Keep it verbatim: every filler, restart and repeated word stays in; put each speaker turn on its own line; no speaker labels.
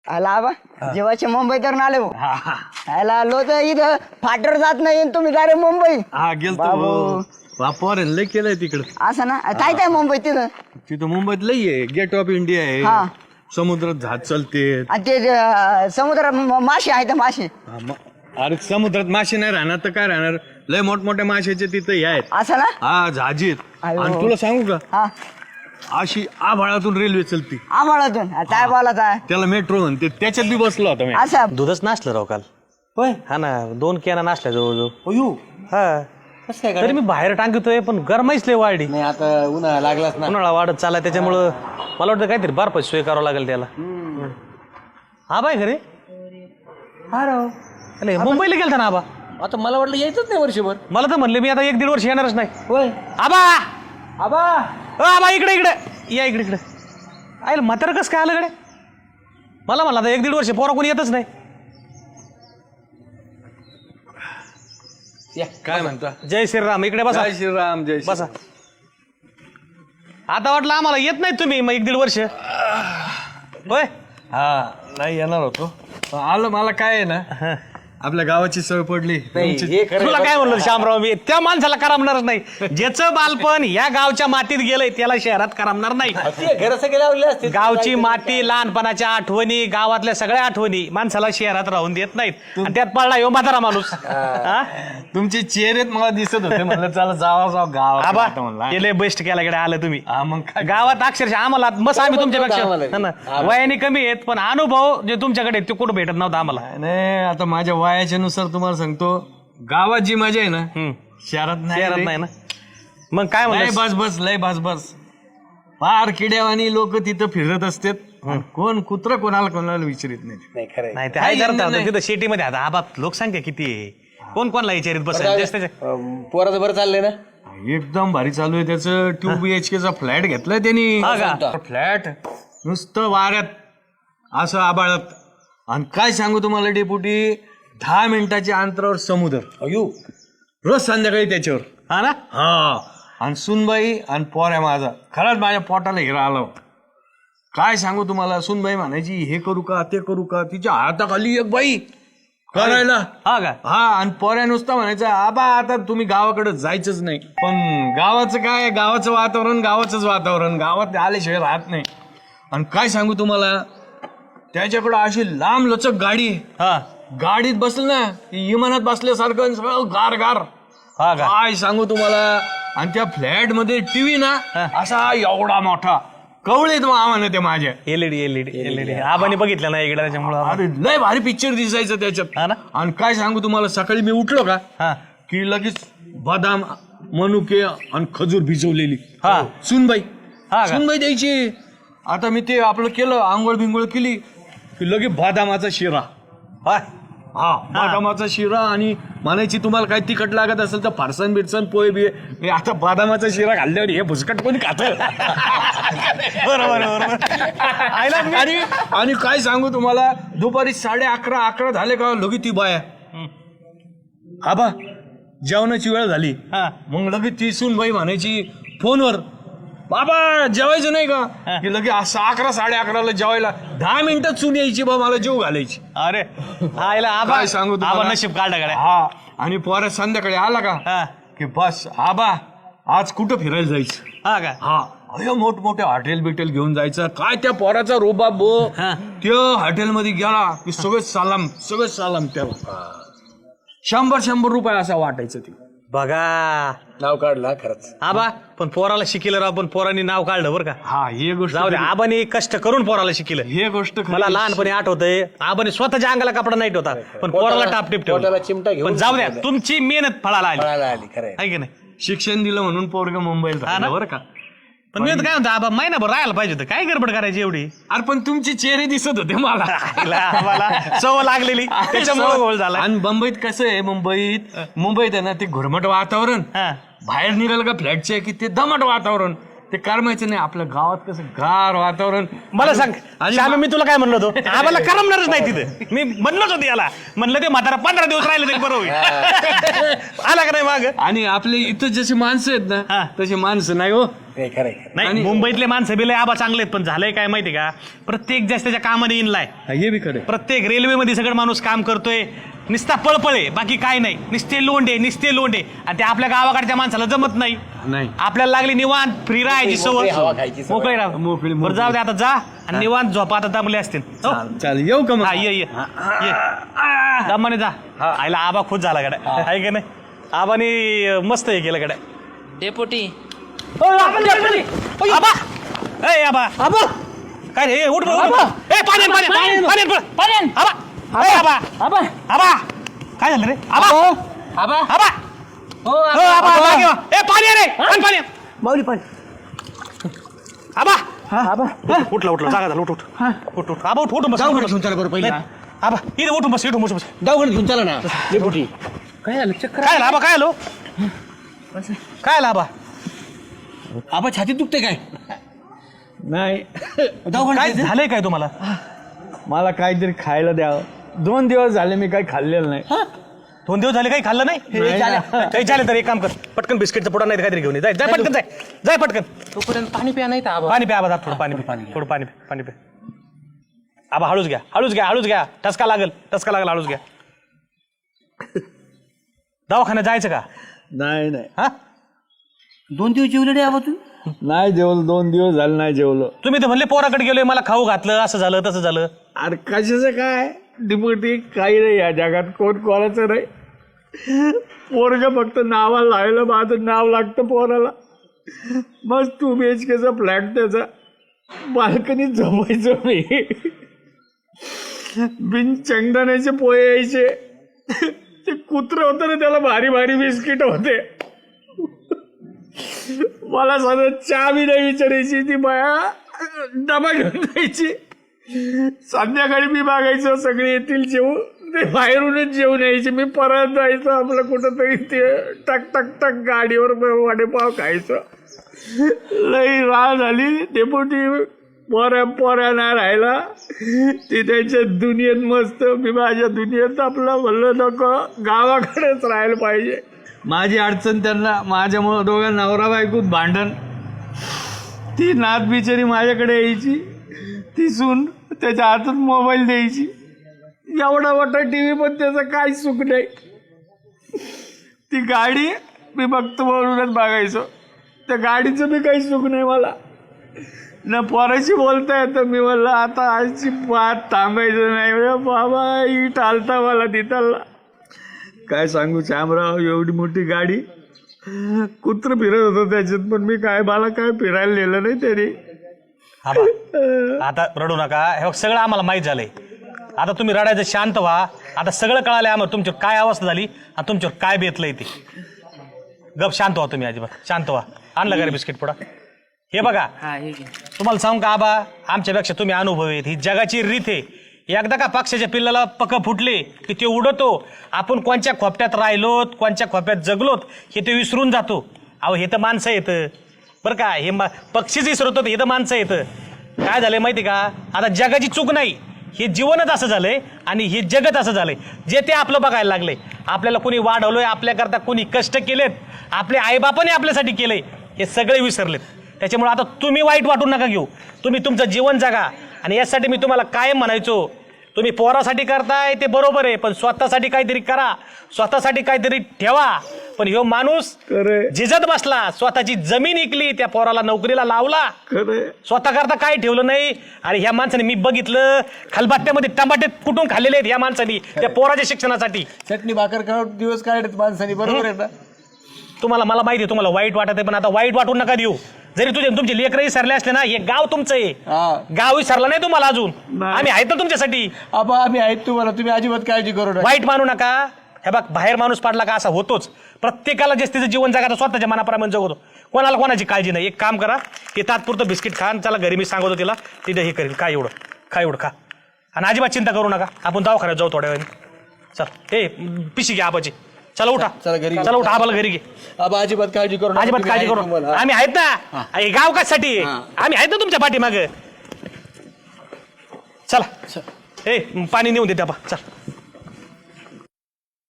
आला आबा जेव्हाचे मुंबई तर आले हो आला आलो तर इथं फाटर जात नाही तुम्ही डायरेक्ट मुंबई
हा गेलतो बापर लय केलंय तिकडं.
असं ना काय काय मुंबई तिथं
तिथं मुंबईत लय आहे. गेट ऑफ इंडिया
हा.
आहे. समुद्रात जहाज चालते.
आणि ते अं, समुद्रात म- मासे आहेत मासे
हा, म- अरे समुद्रात मासे नाही राहणार तर काय राहणार. लय मोठमोठ्या माशाचे तिथं हे आहेत.
असं ना
हा जहाजीत.
अयो.
आणि तुला सांगू का
हा
अशी आभाळातून रेल्वे चलती.
आम्हालातून काय बोला काय
त्याला मेट्रो म्हणते. त्याच्यात बी बसलो होता मी.
असं
दूधच नासलं राव काल
होय
हा ना दोन कॅना नासल्या जवळजवळ
अयो
हा
कसं काय
तरी
करायचं?
मी बाहेर टांगतोय पण गरमाईच लय वाढली.
नाही आता उन्हाळा लागलाच ना.
उन्हाळा वाढत चालला त्याच्यामुळं मला वाटतं काहीतरी बर्फाची सोय करावं लागेल त्याला. हा बाय घरी
हा राव
अरे मुंबईला गेलता ना आबा.
आता मला वाटलं यायचंच नाही वर्षभर.
मला तर म्हणले मी आता एक दीड वर्ष येणारच नाही.
होय
आबा
आबा
अ आबा इकडे इकडे या इकडे इकडे आयला म्हातारं कसं काय आलं कडे. मला म्हणलं आता एक दीड वर्ष पोरा कोणी येतच नाही.
या
काय म्हणता.
जय श्रीराम इकडे बसा
जय श्रीराम जय
बसा. आता वाटलं आम्हाला येत नाही तुम्ही मग एक दीड वर्ष होय.
हा नाही येणार होतो. आलं मला काय आहे ना आपल्या गावाची सवय पडली. तुमची-
हे खरं
तुला काय म्हणलं श्यामराव मी त्या माणसाला करमणारच नाही. ज्याचं बालपण या गावच्या मातीत गेलंय त्याला शहरात करमणार नाही.
घर सगळे लावले असते
गावची माती लहानपणाच्या आठवणी गावातल्या सगळ्या आठवणी माणसाला शहरात राहून देत नाहीत आणि त्यात पडला यो म्हातारा माणूस. हा?
तुमचे चेहरेत मला दिसत होते. म्हणलं चला जावा जावा गावात
आबा
आता म्हणलं.
गेले बेस्ट केला कडे आलं तुम्ही
हा मग काय
गावात अक्षरशः आम्हाला मस्त आम्ही तुमच्यापेक्षा
आम्हाला.
हा ना, वयाने कमी आहेत पण अनुभव जे तुमच्याकडे आहेत, ते कुठं भेटत नव्हता आम्हाला.
नाही आता माझ्या वयाच्या नुसार तुम्हाला सांगतो गावात जी मजा आहे ना
हम्म.
शहरात नाही
शहरात
रे.
नाही ना मग काय
लय
म्हणलं
बस बस लय बस बस फार किड्यावानी लोक तिथं फिरत असतात. कोण कुत्र कोणाला कोणाला विचारित नाही.
नाही खरं
नाही ते आहे
नाही,
जरा
नाही.
तिथं शेतीमध्ये आता आबा लोकसंख्या किती आहे कोण कोणला विचारित बसेल
पोराचं बरं चाललंय ना.
एकदम भारी चालू आहे त्याचं. टू बी एच केचा फ्लॅट घेतलाय त्यांनी.
हा का?
फ्लॅट नुसतं वाऱ्यात असं आबाळत. आणि काय सांगू तुम्हाला डेपुटी दहा मिनिटाच्या अंतरावर समुद्र.
अयो
रोज संध्याकाळी त्याच्यावर.
हा ना
हा आणि सुनबाई आणि पोऱ्या माझा खरंच माझ्या पोटाला हिरा आला. काय सांगू तुम्हाला सुनबाई म्हणायची हे करू का ते करू का. तिच्या हाताखाली एक बाई करायला.
हा का
हा आणि पोऱ्या नुसतं म्हणायचं आबा आता तुम्ही गावाकडे जायचंच नाही. पण गावाचं काय गावाचं वातावरण गावाचंच वातावरण गावात आल्याशिवाय राहत नाही. आणि काय सांगू तुम्हाला त्याच्याकडं अशी लांब लचक गाडी.
हा
गाडीत बसलं ना की विमानात बसल्यासारखं सगळं गार गार.
हा का
काय सांगू तुम्हाला. आणि त्या फ्लॅट मध्ये टीव्ही ना असा एवढा मोठा कवळेत आम्हाला ते माझ्या.
एलईडी एलईडी एलईडी आबाने बघितलं नाही इकडे त्याच्यामुळं
अरे लय भारी पिक्चर दिसायचं त्याच्यात.
हा ना
आणि काय सांगू तुम्हाला सकाळी मी उठलो का
हा
की लगेच बदाम मनुके आणि खजूर भिजवलेली.
हा.
सुनबाई
हा का?
सुनबाई द्यायची. आता मी ते आपलं केलं आंघोळ बिंगोळ केली की लगेच बदामाचा शिरा.
हा
हा बदामाचा शिरा आणि म्हणायची तुम्हाला काय तिखट लागत असेल तर फारसन बिरसन पोहे बिये. हे आता बदामाचा शिरा खाल्ल्यावर हे भुसकट कोणी खात.
बरोबर बरोबर
आणि आणि काय सांगू तुम्हाला दुपारी साडे अकरा अकरा झाले का लगे ती बाया आबा जेवणाची वेळ झाली.
हा
मग लगेच ती सूनबाई म्हणायची फोनवर बाबा जेवायचं नाही का की लगे असं अकरा साडे अकराला जेवायला दहा मिनिटात सून यायची बा मला जेव घालायची.
अरे आईला आबा
काय सांगू तुम्हाला?
आबा नशीब काढला गाड्या.
हा आणि पोरा संध्याकाळी आला का
हा
की बस आबा आज कुठं फिरायला जायचं.
हा का
हा अयो मोठमोठे हॉटेल बिटेल घेऊन जायचं. काय त्या पोराचा रोबाब बो.
हा.
त्या हॉटेलमध्ये गेला की सगळे सलाम सगळे सलाम त्याला शंभर शंभर रुपये असा वाटायचं ते.
बघा
नाव काढला खरंच.
आबा पण पोराला शिकिलं राव पण पोरांनी नाव काढलं बरं का.
हा हे गोष्ट
जाऊ दे आबाने कष्ट करून पोराला शिकिलं.
हे गोष्ट खरी.
मला लहानपणी आठवतंय आबाने स्वतःच्या अंगाला कपडा नाही होता पण पोराला टापटीप
पोटाला
ठेवला.
चिमटा घेऊन
पण जाऊ द्या तुमची मेहनत फळाला आली
फळाला आली खरंय.
आहे की नाही.
शिक्षण दिलं म्हणून पोरग मुंबईला
हा ना?
राहिलं बरं का.
पण मी तर काय म्हणतो आबा महिनाभर राहायला पाहिजे होतं काय गडबड करायची एवढी.
अरे पण तुमचे चेहरे दिसत होते मला.
आईला आम्हाला सवय लागलेली त्याच्यामुळे गोळ झाला.
आणि मुंबईत कसं आहे मुंबईत मुंबईत आहे ना ते घुरमट वातावरण.
हा
बाहेर निघालं का फ्लॅटचे की ते दमट वातावरण. ते करमायचं नाही. आपल्या गावात कसं गार वातावरण.
मला सांग
आणि
श्यामे, मी तुला काय म्हणलो होतो आम्हाला करमणारच नाही तिथं. मी म्हणलोच होतो याला, म्हणलं ते म्हातारा पंधरा दिवस राहिले तरी बरं होईल. आला का नाही माग?
आणि आपले इथं जसे माणसं आहेत
हा.
ना तसे माणसं नाही हो.
खरंय
नाही, मुंबईतले माणसं बिले आबा चांगले आहेत, पण झालंय काय माहिती का, प्रत्येक जास्त त्याच्या कामाने इनलाय.
हे बी खरं.
प्रत्येक रेल्वेमध्ये सगळं माणूस काम करतोय, निस्ता पळपळे, बाकी काय नाही, निस्ते लोंडे निस्ते लोंडे. आणि ते आपल्या गावाकडच्या माणसाला जमत नाही.
नाही.
आपल्याला लागली निवांत फ्री राहायची सवय,
हवा खायची सवय.
मोकळी राहा.
मोकळी-
बरं जाऊ दे, आता जा आणि निवांत झोपा, आता दमले असतील. हो?
चालेल, येऊ का मग?
हा, ये ये ये. दमाने जा. आईला आबा खुश झाला गड्या, आहे का नाही? आबानी मस्त हे केलं गड्या.
डेपुटी
आबा ए आबा आबा काय रे, उठ बरं, उठ बरं. ए पाणी आण, पाणी आण, पाणी आण, पाणी आण, बरं. पाणी आण. आबा ए आबा आबा आबा काय झालं रे आबा
आबा
आबा
हो
हो आबा जागी व्हा. ए पाणी आण रे, आण पाणी आण.
माऊली पण
आबा
आबा
उठला उठला जागा झाला, उठ उठ उठ उठ आबा उठ उठून बस, उठून बस.
घेऊन चला बरं पहिला.
नाही, आबा इथे उठून बस, इथून बस बस.
दवाखान्यात घेऊन चला ना डेपुटी.
काय झालं चक्कर
काय झालं आबा, काय आलो काय आलं आबा?
आबा छातीत दुखते काय?
नाही.
काय झालंय काय तुम्हाला?
मला काहीतरी खायला द्यावं. दोन दिवस झाले मी काही खाल्लेलं नाही.
दोन दिवस झाले काही खाल्लं नाही? काही चालेल तर एक काम कर, पटकन बिस्किटचा पुडा नाही तर काहीतरी घेऊन ये. जाय जाय पटकन, जाय जाय पटकन.
तोपर्यंत पाणी प्या नाही तर आबा.
पाणी प्या आबा, थोडं पाणी प्या, थोडं पाणी प्या, पाणी प्या. आबा हळूच घ्या, हळूच घ्या, हळूच घ्या. टसका लागल, टसका लागल, हळूच घ्या. दवाखान्यात जायचं का?
नाही नाही
हा
दोन दिवस जेवले नाही आबा तू?
नाही जेवलो. दोन दिवस झाले नाही जेवलो.
तुम्ही तर म्हणले पोराकडे गेलोय, मला खाऊ घातलं, असं झालं तसं झालं.
अरे कशाचं काय डिपुटी, काही नाही या जगात, कोण कोणाचं नाही. पोरग फक्त नावाला लावलं, माझं नाव लागतं पोराला. मस्त टू बी एच केचा फ्लॅट त्याचा, बाल्कनीत झोपायचो मी. बिन शेंगदाण्याचे पोहे यायचे. ते कुत्रं होतं ना, त्याला भारी भारी बिस्किट होते. मला सगळं चहा बी नाही विचारायची ती बाया, डबा घेऊन जायची. संध्याकाळी मी मागायचो सगळे येतील जेवू, ते बाहेरूनच जेवून यायचे. मी परत जायचो आपलं कुठंतरी, ते टक टक टक गाडीवर वडेपाव खायचो. लई राळ झाली डेपुटी. पोऱ्या पोऱ्या नाही राहिला, ती त्यांच्या दुनियेत मस्त, मी माझ्या दुनियेत. आपलं म्हणलं नको, गावाकडेच राहायला पाहिजे. माझी अडचण त्यांना, माझ्यामुळं दोघं नवरा बायकोत भांडण. ती नात बिचारी माझ्याकडे यायची, ती सून त्याच्या हातात मोबाईल द्यायची. एवढा मोठा टी व्ही पण त्याचं काही सुख नाही. ती गाडी मी बघतो म्हणूनच बघायचो, त्या गाडीचं बी काही सुख नाही मला. न पोराशी बोलता येतं. मी म्हणलं आता आजची पात थांबायचं नाही रे बाबा, ही टालता मला तिथला. काय सांगू श्यामराव, एवढी मोठी गाडी, कुत्रं फिरत होतं त्याच्यात, पण मी काय, मला काय फिरायला नेलं नाही तरी.
आबा आता रडू नका, हे बघ, सगळं आम्हाला माहीत झालंय. आता तुम्ही रडायचं, शांत व्हा. आता सगळं कळालंय आम्हाला तुमच्यावर काय अवस्था झाली आणि तुमच्यावर काय बेतलंय ते. गप शांत व्हा तुम्ही, अजिबात शांत व्हा. आणलं का रे बिस्किट पुडा? हे बघा,
हा हे घे.
तुम्हाला सांगू का आबा, आमच्यापेक्षा तुम्ही अनुभवी आहेत. ही जगाची रीत आहे. एकदा का पक्षाच्या पिल्लाला पक फुटले की ते उडतो. आपण कोणच्या खोपट्यात राहिलोत, कोणच्या खोप्यात जगलोत हे ते विसरून जातो. अहो हे तर माणसं येतं बरं का, हे पक्षीच विसरतो, हे तर माणसं येतं. काय झालंय माहिती का, आता जगाची चूक नाही, हे जीवनच असं झालंय आणि हे जगत असं झालंय. जे ते आपलं बघायला लागले. आपल्याला कोणी वाढवलंय, आपल्याकरता कोणी कष्ट केलेत, आपले आईबापाने आपल्यासाठी केलंय, हे सगळे विसरलेत. त्याच्यामुळे आता तुम्ही वाईट वाटून नका घेऊ. तुम्ही तुमचं जीवन जगा. आणि यासाठी मी तुम्हाला कायम म्हणायचो, तुम्ही पोरासाठी करताय ते बरोबर आहे, पण स्वतःसाठी काहीतरी करा, स्वतःसाठी काहीतरी ठेवा. पण ह्यो माणूस झिजत बसला, स्वतःची जमीन इकली, त्या पोराला नोकरीला लावला, स्वतः करता काय ठेवलं नाही. आणि ह्या माणसाने मी बघितलं, खलबत्त्यामध्ये टमाटे कुठून खाल्लेले आहेत ह्या माणसानी त्या पोराच्या शिक्षणासाठी.
चटणी भाकर खाऊन दिवस काढत माणसानी, बरोबर आहे ना?
तुम्हाला, मला माहिती आहे तुम्हाला वाईट वाटत आहे, पण आता वाईट वाटून नका देऊ. जरी तुझे तुमचे लेकरही सरले असले ना, हे गाव तुमचं आहे. गाव विसरला नाही तुम्हाला अजून, आम्ही आहेत तुमच्यासाठी.
आबा आम्ही आहेत तुम्हाला, तुम्ही अजिबात काळजी करू नका.
वाईट मानू नका. हे बघ, बाहेर माणूस पाडला का असा होतोच. प्रत्येकाला जे तिचं जीवन जगायचं स्वतःच्या मनाप्रमाणे जगवतो, कोणाला कोणाची काळजी नाही. एक काम करा, ते तात्पुरतं बिस्किट खा, चला घरी मी सांगतो तिला, तिथे हे करेल. काय एवढं खा, एवढं खा, आणि अजिबात चिंता करू नका. आपण दवाखान्यात जाऊ थोड्या वेळाने. चल, ए पिशी घ्या आबाची. चला उठा
चला घरी घेऊ.
चला उठा आम्हाला घरी घे
आबा अजिबात काळजी करू नका.
अजिबात
तुम्ही
काळजी
आहे
करू
तुम्हाला.
आम्ही आहेत ना हे गाव कशासाठी आहे? आम्ही आहेत ना तुमच्या पाठीमाग चला ए पाणी नेऊन देते आपण चल